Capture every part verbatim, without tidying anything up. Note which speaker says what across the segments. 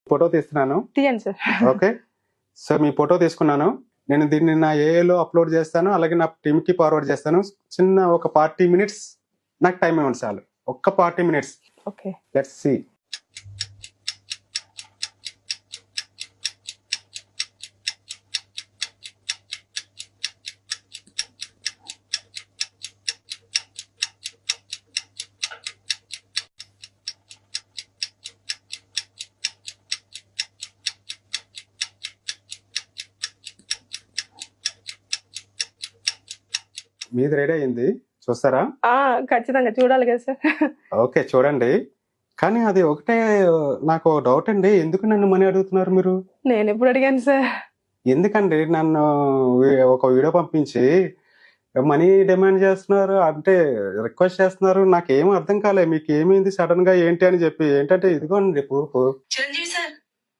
Speaker 1: Photo తీస్తున్నాను.
Speaker 2: తీయండి sir.
Speaker 1: Okay. So మీ ఫోటో తీసుకున్నాను. నేను దీన్ని నా ఏఐలో అప్లోడ్ చేస్తాను. అలాగే నా టీమ్‌కి ఫార్వర్డ్ చేస్తాను. చిన్న ఒక ఫార్టీ మినిట్స్ నాకు టైం ఇవ్వండి చాలు. ఒక్క forty minutes.
Speaker 2: Okay.
Speaker 1: Let's see. మీది రెడీ అయింది. చూస్తారా?
Speaker 2: ఆ! ఖచ్చితంగా చూడాలి కదా సార్.
Speaker 1: ఓకే. చూడండి. కానీ అది ఒకటే నాకు డౌట్ అండి. ఎందుకు నన్ను మనీ అడుగుతున్నారు మీరు?
Speaker 2: నేనెప్పుడు అడిగాను సార్?
Speaker 1: ఎందుకండి నన్ను వి ఒక వీడియో పంపించి మనీ డిమాండ్ చేస్తున్నారు? అంటే రిక్వెస్ట్ చేస్తున్నారు. నాకేం అర్థం కాలే. మీకేమైంది సడెన్‌గా ఏంటి అని చెప్పి. ఏంటంటే ఇదిగోండి ప్రూఫ్.
Speaker 3: చిరంజీవి సార్,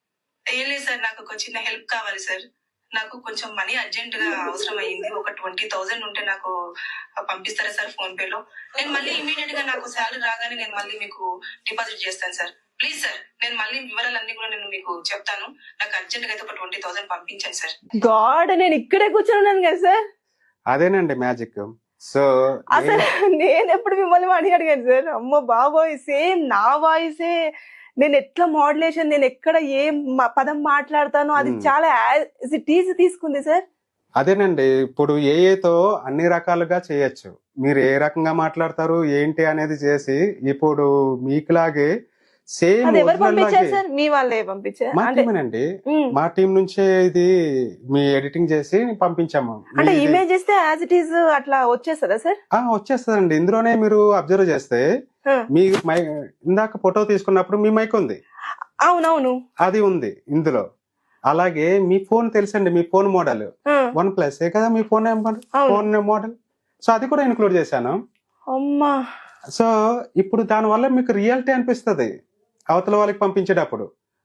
Speaker 3: ఏం లేదు సార్, నాకు ఒక చిన్న హెల్ప్ కావాలి సార్. నాకు కొంచెం మనీ అర్జెంట్ గా అవసరం అయ్యింది. ఒక ట్వంటీ థౌసండ్ ఉంటే నాకు పంపిస్తారా సార్ ఫోన్ పే లో? నేను మళ్ళీ ఇమీడియట్ గా నాకు శాలరీ రాగానే నేను మళ్ళీ మీకు డిపాజిట్ చేస్తాను సార్. ప్లీజ్ సార్, నేను మళ్ళీ వివరాలన్నీ కూడా నేను మీకు చెప్తాను. నాకు అర్జెంట్ గా అయితే ఒక ట్వంటీ థౌసండ్ పంపించండి సార్.
Speaker 2: గాడ్, నేను ఇక్కడే కూర్చొని ఉన్నాను కదా సార్.
Speaker 1: అదేనండి మ్యాజిక్. సో
Speaker 2: అసలు నేను ఎప్పుడు మిమ్మల్ని మనీ అడిగాను సార్? అమ్మో బాబోయ్, సేమ్ నా వాయిసే. నేను ఎట్లా మోడ్యులేషన్, నేను ఎక్కడ ఏ మ- పదం మాట్లాడతానో అది
Speaker 1: Hmm.
Speaker 2: చాలా యాజ్ ఇట్ ఈజ్ తీసుకుంది సార్.
Speaker 1: అదేనండి. ఇప్పుడు ఏఐతో అన్ని రకాలుగా చేయొచ్చు. మీరు ఏ రకంగా మాట్లాడతారు ఏంటి అనేది చేసి ఇప్పుడు మీకులాగే సేమ్
Speaker 2: అది ఎవరు
Speaker 1: ఒరిజినల్
Speaker 2: పంపించారు
Speaker 1: లాగే
Speaker 2: సార్? మీ వాళ్ళే పంపించారు
Speaker 1: మా
Speaker 2: అంటే?
Speaker 1: టీమేనండి.
Speaker 2: ఉమ్.
Speaker 1: మా టీం నుంచే ఇది మీ ఎడిటింగ్ చేసి పంపించాము.
Speaker 2: అంటే
Speaker 1: మీది-
Speaker 2: ఇమేజ్ ఇస్తే యాజ్ ఇట్ ఈజ్ అట్లా వచ్చేస్తుందా సార్?
Speaker 1: ఆ, వచ్చేస్తుందండి. ఇందులోనే మీరు అబ్జర్వ్ చేస్తే
Speaker 2: ఆ,
Speaker 1: మీ మై ఇందాక ఫోటో తీసుకున్నప్పుడు మీ మైక్ ఉంది,
Speaker 2: అవునవును.
Speaker 1: అది ఉంది ఇందులో. అలాగే మీ ఫోన్ తెలుసండి, మీ ఫోన్ మోడల్
Speaker 2: ఆ,
Speaker 1: వన్ ప్లస్ ఏ కదా మీ ఫోన్ నెంబర్,
Speaker 2: అవును.
Speaker 1: Phone model. సో అది కూడా ఇంక్లూడ్ చేశాను.
Speaker 2: అమ్మా.
Speaker 1: సో ఇప్పుడు దానివల్ల మీకు రియాలిటీ అనిపిస్తుంది అవతల వాళ్ళకి పంపించేటప్పుడు.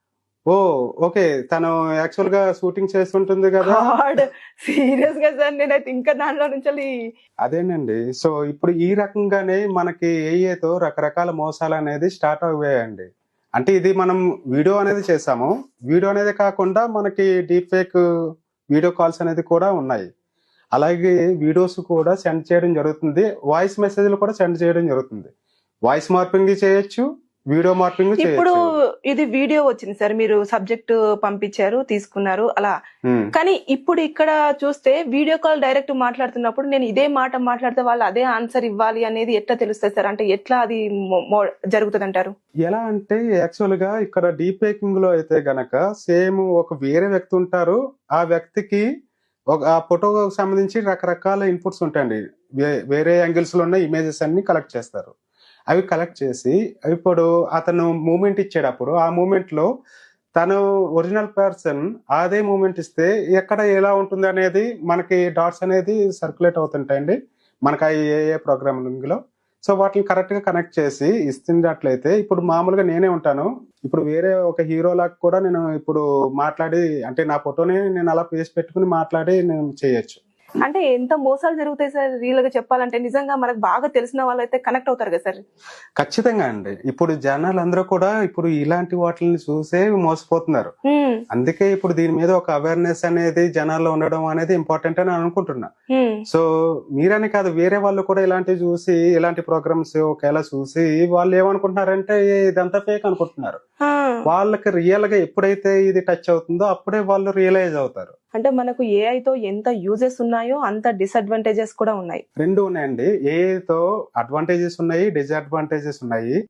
Speaker 1: ఓ ఓకే, తను యాక్చువల్ గా షూటింగ్ చేస్తుంటుంది కదా.
Speaker 2: గాడ్, సీరియస్ గా సార్ నేనైతే ఇంకా దాంట్లో నుంచి
Speaker 1: అదేనండి. సో ఇప్పుడు ఈ రకంగానే మనకి ఏఏతో రకరకాల మోసాలు అనేది స్టార్ట్ అయ్యాయండి. అంటే ఇది మనం వీడియో అనేది చేసాము. వీడియో అనేది కాకుండా మనకి డీప్ ఫేక్ వీడియో కాల్స్ అనేది కూడా ఉన్నాయి. అలాగే వీడియోస్ కూడా సెండ్ చేయడం జరుగుతుంది. వాయిస్ మెసేజ్లు కూడా సెండ్ చేయడం జరుగుతుంది. వాయిస్ మార్పింగ్ చేయొచ్చు, వీడియో మార్పింగ్
Speaker 2: ఇప్పుడు
Speaker 1: చేయొచ్చు.
Speaker 2: ఇది వీడియో వచ్చింది సార్, మీరు సబ్జెక్ట్ పంపించారు, తీసుకున్నారు అలా.
Speaker 1: ఉమ్.
Speaker 2: కానీ ఇప్పుడు ఇక్కడ చూస్తే వీడియో కాల్ డైరెక్ట్ మాట్లాడుతున్నప్పుడు నేను ఇదే మాట మాట్లాడితే వాళ్ళు అదే ఆన్సర్ ఇవ్వాలి అనేది ఎట్లా తెలుస్తుంది సార్? అంటే ఎట్లా అది జరుగుతుంది అంటారు?
Speaker 1: ఎలా అంటే యాక్చువల్ గా ఇక్కడ డీప్ ఫేకింగ్ లో అయితే గనక సేమ్ ఒక వేరే వ్యక్తి ఉంటారు. ఆ వ్యక్తికి ఒక ఆ ఫోటోకి సంబంధించి రకరకాల ఇన్పుట్స్ ఉంటాయండి. వే- వేరే యాంగిల్స్ లో ఉన్న ఇమేజెస్ అన్ని కలెక్ట్ చేస్తారు. అవి కలెక్ట్ చేసి ఇప్పుడు అతను మూమెంట్ ఇచ్చేటప్పుడు ఆ మూమెంట్ లో తను ఒరిజినల్ పర్సన్ అదే మూమెంట్ ఇస్తే ఎక్కడ ఎలా ఉంటుంది అనేది మనకి డాట్స్ అనేది సర్క్యులేట్ అవుతుంటాయండి మనకి ఆ ఏ ప్రోగ్రామింగ్ లో. సో వాటిని కరెక్ట్ గా కనెక్ట్ చేసి ఇస్తున్నట్లయితే ఇప్పుడు మామూలుగా నేనే ఉంటాను. ఇప్పుడు వేరే ఒక హీరో లాగా కూడా నేను ఇప్పుడు మాట్లాడి, అంటే నా ఫోటోని నేను అలా పేసి పెట్టుకుని మాట్లాడి నేను చేయొచ్చు.
Speaker 2: అంటే ఎంత మోసాలు జరుగుతాయి సార్ రియల్ గా చెప్పాలంటే? నిజంగా మనకు బాగా తెలిసిన వాళ్ళు అయితే కనెక్ట్ అవుతారు కదా సార్?
Speaker 1: ఖచ్చితంగా అండి. ఇప్పుడు జనాలు అందరూ కూడా ఇప్పుడు ఇలాంటి వాటిని చూసే మోసపోతున్నారు.
Speaker 2: హ్మ్,
Speaker 1: అందుకే ఇప్పుడు దీని మీద ఒక అవేర్నెస్ అనేది జనాల్లో ఉండడం అనేది ఇంపార్టెంట్ అని అనుకుంటున్నా.
Speaker 2: హ్మ్.
Speaker 1: సో మీరని కాదు, వేరే వాళ్ళు కూడా ఇలాంటివి చూసి ఇలాంటి ప్రోగ్రామ్స్ ఒకవేళ చూసి వాళ్ళు ఏమనుకుంటున్నారంటే "ఏ, ఇదంతా ఫేక్" అనుకుంటున్నారు.
Speaker 2: ఆ,
Speaker 1: వాళ్ళకి రియల్ గా ఎప్పుడైతే ఇది టచ్ అవుతుందో అప్పుడే వాళ్ళు రియలైజ్ అవుతారు.
Speaker 2: అంటే మనకు ఏఐ తో ఎంత యూజెస్ ఉన్నాయో అంత డిసడ్వాంటేజెస్ కూడా ఉన్నాయి.
Speaker 1: రెండు ఉన్నాయండి. ఏఐతో అడ్వాంటేజెస్ ఉన్నాయి, డిసడ్వాంటేజెస్ ఉన్నాయి.